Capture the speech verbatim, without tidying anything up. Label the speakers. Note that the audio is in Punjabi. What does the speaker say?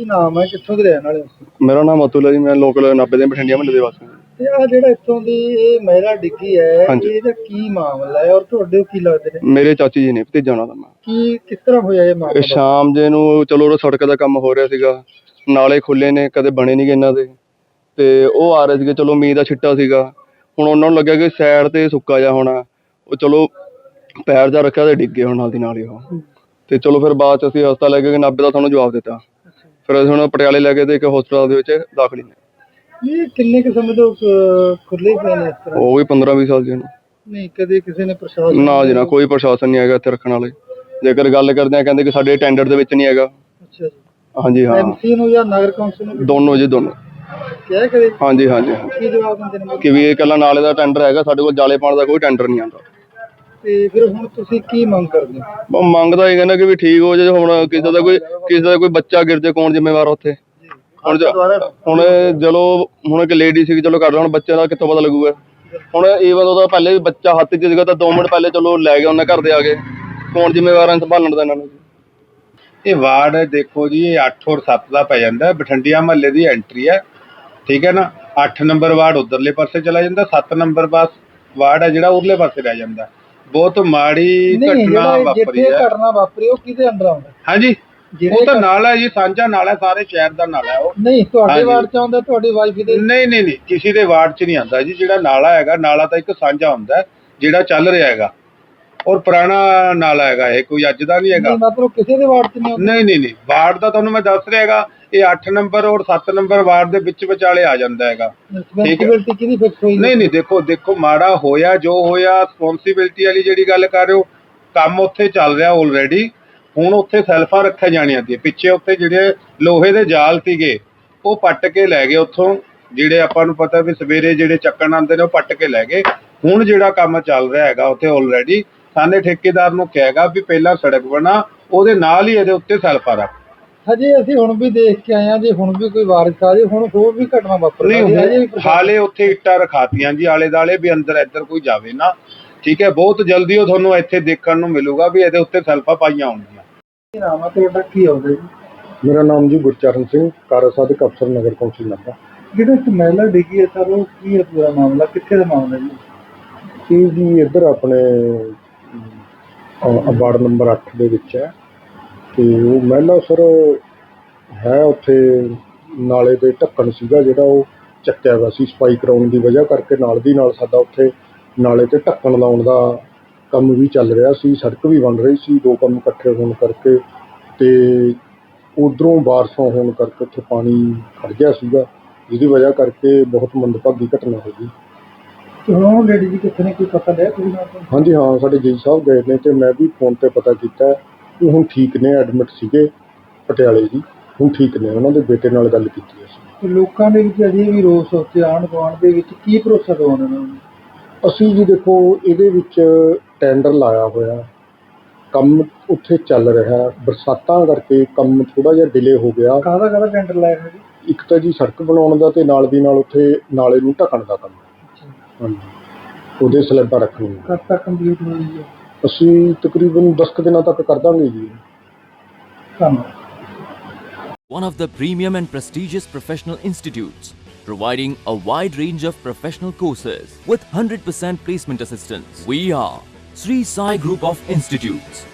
Speaker 1: ਨਾਮ ਹੈ, ਕਿੱਥੋਂ ਦੇ ਰਹਿਣ ਵਾਲੇ ਹੋ?
Speaker 2: ਮੇਰਾ ਨਾਮ ਅਤੁਲ ਹੈ ਜੀ, ਮੈਂ ਲੋਕਲ ਨਾਭੇ ਦੇ ਬਠਿੰਡਿਆ ਮਹੱਲੇ ਦੇ ਵਾਸੀ ਹਾਂ।
Speaker 1: ਤੇ ਆ ਜਿਹੜਾ ਇੱਥੋਂ ਦੀ ਇਹ ਮਹਿਲਾ ਡਿੱਗੀ ਹੈ, ਇਹਦਾ ਕੀ ਮਾਮਲਾ ਹੈ ਔਰ ਤੁਹਾਡੇ ਕੀ ਲੱਗਦੇ ਨੇ?
Speaker 2: ਮੇਰੇ ਚਾਚੀ ਜੀ ਨੇ, ਭਤੀਜਾ ਉਹਨਾਂ ਦਾ ਮੈਂ।
Speaker 1: ਕੀ ਕਿਸ ਤਰ੍ਹਾਂ ਹੋਇਆ ਇਹ ਮਾਮਲਾ?
Speaker 2: ਸ਼ਾਮ ਜੇ ਨੂੰ ਚਲੋ ਸੜਕ ਦਾ ਕੰਮ ਹੋ ਰਿਹਾ ਸੀਗਾ, ਨਾਲੇ ਖੁੱਲੇ ਨੇ, ਕਦੇ ਬਣੇ ਨਹੀਂ ਗੇ ਇਹਨਾਂ ਦੇ, ਤੇ ਉਹ ਆ ਰਹੇ ਸੀਗੇ। ਚਲੋ ਮੀਂਹ ਦਾ ਛਿੱਟਾ ਸੀਗਾ, ਹੁਣ ਉਹਨਾਂ ਨੂੰ ਲੱਗਿਆ ਕਿ ਸਾਈਡ ਤੇ ਸੁੱਕਾ ਜਿਹਾ ਹੋਣਾ, ਉਹ ਚਲੋ ਪੈਰ ਜਾ ਰੱਖਿਆ ਤੇ ਡਿੱਗੇ ਹੁਣ ਨਾਲ ਦੀ ਨਾਲ ਹੀ ਉਹ। ਤੇ ਚਲੋ ਫਿਰ ਬਾਅਦ ਚ ਅਸੀਂ ਹਸਪਤਾਲ ਲੈ ਕੇ ਨਾਭੇ ਦਾ ਸਾਨੂੰ ਜਵਾਬ ਦਿੱਤਾ, ਫਿਰ ਅਸੀਂ ਹੁਣ ਪਟਿਆਲੇ ਲੈ ਕੇ ਤੇ ਇੱਕ ਹਸਪਤਾਲ ਦੇ ਵਿੱਚ ਦਾਖਲ ਨੇ।
Speaker 1: ਇਹ ਕਿੰਨੇ ਕੁ ਸਮੇਂ ਤੋਂ ਖੁੱਲੇ ਪਏ ਨੇ ਇਸ ਤਰ੍ਹਾਂ?
Speaker 2: ਉਹ ਵੀ ਪੰਦਰਾਂ ਵੀਹ ਸਾਲ ਜੀ ਨੂੰ।
Speaker 1: ਨਹੀਂ ਕਦੇ ਕਿਸੇ ਨੇ ਪ੍ਰਸ਼ਾਸਨ?
Speaker 2: ਨਾ ਜੀ ਨਾ, ਕੋਈ ਪ੍ਰਸ਼ਾਸਨ ਨਹੀਂ ਹੈਗਾ ਇੱਥੇ ਰੱਖਣ ਵਾਲੇ। ਜੇਕਰ ਗੱਲ ਕਰਦੇ ਆ ਕਹਿੰਦੇ ਕਿ ਸਾਡੇ ਟੈਂਡਰ ਦੇ ਵਿੱਚ ਨਹੀਂ ਹੈਗਾ।
Speaker 1: ਅੱਛਾ ਜੀ।
Speaker 2: ਹਾਂਜੀ ਹਾਂ,
Speaker 1: ਐਮਸੀ ਨੂੰ ਜਾਂ ਨਗਰ ਕੌਂਸਲ ਨੂੰ?
Speaker 2: ਦੋਨੋਂ ਜੀ, ਦੋਨੋਂ
Speaker 1: ਕਿਹਾ ਕਦੇ?
Speaker 2: ਹਾਂਜੀ ਹਾਂਜੀ।
Speaker 1: ਕੀ ਜਵਾਬ ਦਿੰਦੇ ਨੇ
Speaker 2: ਕਿ ਵੀ ਇਹ ਇਕੱਲਾ ਨਾਲੇ ਦਾ ਟੈਂਡਰ ਹੈਗਾ, ਸਾਡੇ ਕੋਲ ਜਾਲੇ ਪਾਉਣ ਦਾ ਕੋਈ ਟੈਂਡਰ ਨਹੀਂ ਆਉਂਦਾ।
Speaker 1: ਤੇ ਫਿਰ ਹੁਣ ਤੁਸੀਂ ਕੀ ਮੰਗ ਕਰਦੇ ਹੋ?
Speaker 2: ਮੰਗ ਤਾਂ ਇਹ ਕਹਿੰਦਾ ਕਿ ਵੀ ਠੀਕ ਹੋ ਜੇ, ਹੁਣ ਕਿਸੇ ਦਾ ਕੋਈ ਕਿਸੇ ਦਾ ਕੋਈ ਬੱਚਾ ਗਿਰ ਜੇ ਕੌਣ ਜ਼ਿੰਮੇਵਾਰ ਉੱਥੇ? ਹੁਣ ਹੁਣ ਚਲੋ ਹੁਣ ਇੱਕ ਲੇਡੀ ਸੀਗੀ, ਚਲੋ ਕਰ ਲਾ, ਹੁਣ ਬੱਚੇ ਦਾ ਕਿੱਥੋਂ ਪਤਾ ਲੱਗੂਗਾ? ਹੁਣ ਈਵਨ ਉਹਦਾ ਪਹਿਲੇ ਵੀ ਬੱਚਾ ਹੱਥ 'ਚ ਸੀਗਾ ਤਾਂ ਦੋ ਮਿੰਟ ਪਹਿਲੇ ਚਲੋ ਲੈ ਗਏ ਉਹਨਾਂ ਘਰ ਦੇ ਆ ਕੇ, ਕੌਣ ਜ਼ਿੰਮੇਵਾਰ ਹੈ ਸੰਭਾਲਣ ਦਾ ਇਹਨਾਂ ਨੂੰ?
Speaker 3: ਇਹ ਵਾਰਡ ਦੇਖੋ ਜੀ, ਇਹ ਅੱਠ ਔਰ ਸੱਤ ਦਾ ਪੈ ਜਾਂਦਾ, ਬਠਿੰਡਿਆ ਮਹੱਲੇ ਦੀ ਐਂਟਰੀ ਹੈ, ਠੀਕ ਹੈ ਨਾ। ਅੱਠ ਨੰਬਰ ਵਾਰਡ ਉਧਰਲੇ ਪਾਸੇ ਚਲਾ ਜਾਂਦਾ, ਸੱਤ ਨੰਬਰ ਬਸ ਵਾਰਡ ਹੈ ਜਿਹੜਾ ਉਰਲੇ ਪਾਸੇ ਰਹਿ ਜਾਂਦਾ। ਬਹੁਤ ਮਾੜੀ ਘਟਨਾ ਵਾਪਰੀ ਹੈ।
Speaker 1: ਘਟਨਾ ਵਾਪਰੀ ਉਹ ਕਿਹਦੇ ਅੰਦਰ ਆਉਂਦਾ?
Speaker 3: ਹਾਂਜੀ, ਉਹ ਤਾਂ ਨਾਲਾ ਹੈ ਜੀ, ਸਾਂਝਾ ਨਾਲਾ, ਸਾਰੇ ਸ਼ਹਿਰ ਦਾ ਨਾਲਾ ਹੈ ਉਹ।
Speaker 1: ਨਹੀਂ ਤੁਹਾਡੇ ਵਾਰਡ ਚ ਆਉਂਦਾ? ਤੁਹਾਡੀ ਵਾਈਫ ਦੇ?
Speaker 3: ਨਹੀਂ ਨਹੀਂ ਨਹੀਂ, ਕਿਸੇ ਦੇ ਵਾਰਡ ਚ ਨਹੀਂ ਆਉਂਦਾ ਜੀ। ਜਿਹੜਾ ਨਾਲਾ ਹੈਗਾ, ਨਾਲਾ ਤਾਂ ਇੱਕ ਸਾਂਝਾ ਹੁੰਦਾ ਜਿਹੜਾ ਚੱਲ ਰਿਹਾ ਹੈਗਾ, ਔਰ ਪੁਰਾਣਾ ਨਾਲਾ ਹੈਗਾ, ਇਹ ਕੋਈ ਅੱਜ ਦਾ ਨਹੀਂ ਹੈਗਾ।
Speaker 1: ਮਤਲਬ ਕਿਸੇ ਦੇ ਵਾਰਡ ਚ ਨਹੀਂ ਆਉਂਦਾ? ਨਹੀਂ
Speaker 3: ਨਹੀਂ ਨਹੀਂ, ਵਾਰਡ ਦਾ ਤੁਹਾਨੂੰ ਮੈਂ ਦੱਸ ਰਿਹਾ ਹੈਗਾ, ਇਹ ਅੱਠ ਨੰਬਰ ਔਰ ਸੱਤ ਨੰਬਰ ਵਾਰਡ ਦੇ ਵਿੱਚ ਵਿਚਾਲੇ ਆ ਜਾਂਦਾ ਹੈਗਾ।
Speaker 1: ਰਿਸਪੌਂਸਿਬਿਲਟੀ ਕਿਹਦੀ ਫਿਕਸ ਹੋਈ?
Speaker 3: ਨਹੀਂ ਨਹੀਂ, ਦੇਖੋ ਦੇਖੋ ਮਾੜਾ ਹੋਇਆ ਜੋ ਹੋਇਆ, ਰਿਸਪੌਂਸਿਬਿਲਟੀ ਵਾਲੀ ਜਿਹੜੀ ਗੱਲ ਕਰ ਰਹੇ ਹੋ, ਕੰਮ ਉੱਥੇ ਚੱਲ ਰਿਹਾ ਆਲਰੇਡੀ। ਹੁਣ ਉੱਥੇ ਸੈਲਫਾਂ ਰੱਖੀਆਂ ਜਾਣੀਆਂ ਸੀ ਪਿੱਛੇ, ਉੱਥੇ ਜਿਹੜੇ ਲੋਹੇ ਦੇ ਜਾਲ ਸੀਗੇ ਉਹ ਪੱਟ ਕੇ ਲੈ ਗਏ ਉੱਥੋਂ, ਜਿਹੜੇ ਆਪਾਂ ਨੂੰ ਪਤਾ ਵੀ ਸਵੇਰੇ ਜਿਹੜੇ ਚੱਕਣ ਆਉਂਦੇ ਨੇ ਉਹ ਪੱਟ ਕੇ ਲੈ ਗਏ। ਹੁਣ ਜਿਹੜਾ ਕੰਮ ਚੱਲ ਰਿਹਾ ਹੈਗਾ ਉੱਥੇ ਆਲਰੇਡੀ, ਸਾਨੇ ਠੇਕੇਦਾਰ ਨੂੰ ਕਹੇਗਾ ਵੀ ਪਹਿਲਾਂ ਸੜਕ ਬਣਾ, ਉਹਦੇ ਨਾਲ ਹੀ ਇਹਦੇ ਉੱਤੇ ਸੈਲਫਾਂ ਰੱਖ।
Speaker 1: ਹਜੇ ਅਸੀਂ ਹੁਣ ਵੀ ਦੇਖ ਕੇ ਆਏ ਹਾਂ, ਜੇ ਹੁਣ ਵੀ ਕੋਈ ਵਾਰਿਸ ਆ ਜੇ, ਹੁਣ ਹੋਰ ਵੀ ਘਟਨਾ ਵਾਪਰ
Speaker 3: ਨਹੀਂ, ਹਾਲੇ ਉੱਥੇ ਇੱਟਾਂ ਰਖਾਤੀਆਂ ਜੀ ਆਲੇ ਦਾਲੇ ਵੀ ਅੰਦਰ ਇੱਧਰ ਕੋਈ ਜਾਵੇ ਨਾ, ਠੀਕ ਹੈ। ਬਹੁਤ ਜਲਦੀ ਉਹ ਤੁਹਾਨੂੰ ਇੱਥੇ ਦੇਖਣ ਨੂੰ ਮਿਲੂਗਾ ਵੀ ਇਹਦੇ ਉੱਤੇ ਸੈਲਫਾਂ ਪਾਈਆਂ ਹੋਣਗੀਆਂ।
Speaker 1: ਕੀ ਨਾਮ ਹੈ ਤੁਹਾਡਾ, ਕੀ ਆਉਂਦਾ ਜੀ?
Speaker 2: ਮੇਰਾ ਨਾਮ ਜੀ ਗੁਰਚਰਨ ਸਿੰਘ, ਕਾਰਜ ਸਾਧਕ ਅਫਸਰ ਨਗਰ ਕੌਂਸਲ ਨਾਭਾ।
Speaker 1: ਜਿਹੜਾ ਇੱਕ ਮਹਿਲਾ ਡਿੱਗੀ ਹੈ ਸਰ, ਉਹ ਕੀ ਹੈ ਪੂਰਾ ਮਾਮਲਾ, ਕਿੱਥੇ ਦਾ ਮਾਮਲਾ ਜੀ?
Speaker 2: ਇਹ ਜੀ ਇੱਧਰ ਆਪਣੇ ਵਾਰਡ ਨੰਬਰ ਅੱਠ ਦੇ ਵਿੱਚ ਹੈ, ਤੇ ਉਹ ਮਹਿਲਾ ਸਰ ਹੈ ਉੱਥੇ ਨਾਲੇ ਦੇ ਢੱਕਣ ਸੀਗਾ ਜਿਹੜਾ ਉਹ ਚੱਕਿਆ ਹੋਇਆ ਸੀ, ਸਫਾਈ ਕਰਾਉਣ ਦੀ ਵਜ੍ਹਾ ਕਰਕੇ ਨਾਲ ਦੀ ਨਾਲ ਸਾਡਾ ਉੱਥੇ ਨਾਲੇ ਤੇ ਢੱਕਣ ਲਾਉਣ ਦਾ ਕੰਮ ਵੀ ਚੱਲ ਰਿਹਾ ਸੀ, ਸੜਕ ਵੀ ਬਣ ਰਹੀ ਸੀ, ਦੋ ਕੰਮ ਇਕੱਠੇ ਹੋਣ ਕਰਕੇ, ਤੇ ਉੱਧਰੋਂ ਬਾਰਿਸ਼ਾਂ ਹੋਣ ਕਰਕੇ ਉੱਥੇ ਪਾਣੀ ਖੜ ਗਿਆ ਸੀਗਾ, ਜਿਹਦੀ ਵਜ੍ਹਾ ਕਰਕੇ ਬਹੁਤ ਮੰਦਭਾਗੀ ਘਟਨਾ ਹੋ ਗਈ।
Speaker 1: ਹੁਣ ਲੇਡੀ ਜੀ ਕਿੱਥੇ ਨੇ, ਕੋਈ ਪਤਾ ਲਿਆ ਤੁਸੀਂ?
Speaker 2: ਹਾਂਜੀ ਹਾਂ, ਸਾਡੇ ਜੀ ਸਾਹਿਬ ਗਏ ਨੇ ਤੇ ਮੈਂ ਵੀ ਫੋਨ ਤੇ ਪਤਾ ਕੀਤਾ, ਉਹ ਹੁਣ ਠੀਕ ਨੇ, ਐਡਮਿਟ ਸੀਗੇ ਪਟਿਆਲੇ ਜੀ, ਹੁਣ ਠੀਕ ਨੇ। ਉਹਨਾਂ ਦੇ ਬੇਟੇ ਨਾਲ ਗੱਲ ਕੀਤੀ ਅਸੀਂ।
Speaker 1: ਲੋਕਾਂ ਦੇ ਵਿੱਚ ਅਜੇ ਵੀ ਰੋਸ ਉੱਤੇ ਆਂਢ ਗੁਆਂਢ ਦੇ ਵਿੱਚ ਕੀ ਭਰੋਸਾ ਦਿਵਾਉਣਾ ਉਹਨਾਂ ਨੂੰ?
Speaker 2: ਅਸੀਂ ਜੀ ਦੇਖੋ ਇਹਦੇ ਵਿੱਚ ਟੈਂਡਰ ਲਾਇਆ ਹੋਇਆ, ਕੰਮ ਉੱਥੇ ਚੱਲ ਰਿਹਾ, ਬਰਸਾਤਾਂ ਕਰਕੇ ਕੰਮ ਥੋੜ੍ਹਾ ਜਿਹਾ ਡਿਲੇ ਹੋ ਗਿਆ।
Speaker 1: ਕਾਹਦਾ ਕਾਹਦਾ ਟੈਂਡਰ ਲਾਇਆ ਹੈ ਜੀ?
Speaker 2: ਇੱਕ ਤਾਂ ਜੀ ਸੜਕ ਬਣਾਉਣ ਦਾ, ਤੇ ਨਾਲ ਦੀ ਨਾਲ ਉੱਥੇ ਨਾਲੇ ਨੂੰ ਢੱਕਣ ਦਾ ਕੰਮ। ਹਾਂਜੀ, ਉਹਦੇ ਸਲੈਬਾਂ ਰੱਖਣੀਆਂ।
Speaker 1: ਕਦ ਤੱਕ ਕੰਪਲੀਟ ਹੋਈ ਹੈ?
Speaker 2: ਅਸੀਂ ਤਕਰੀਬਨ ਦਸ ਕੁ ਦਿਨਾਂ ਤੱਕ ਕਰ ਦਾਂਗੇ ਜੀ।
Speaker 1: ਧੰਨਵਾਦ।
Speaker 4: One of the premium and prestigious professional institutes, providing a wide range of professional courses with one hundred percent placement assistance. We are Sri Sai Group of Institutes.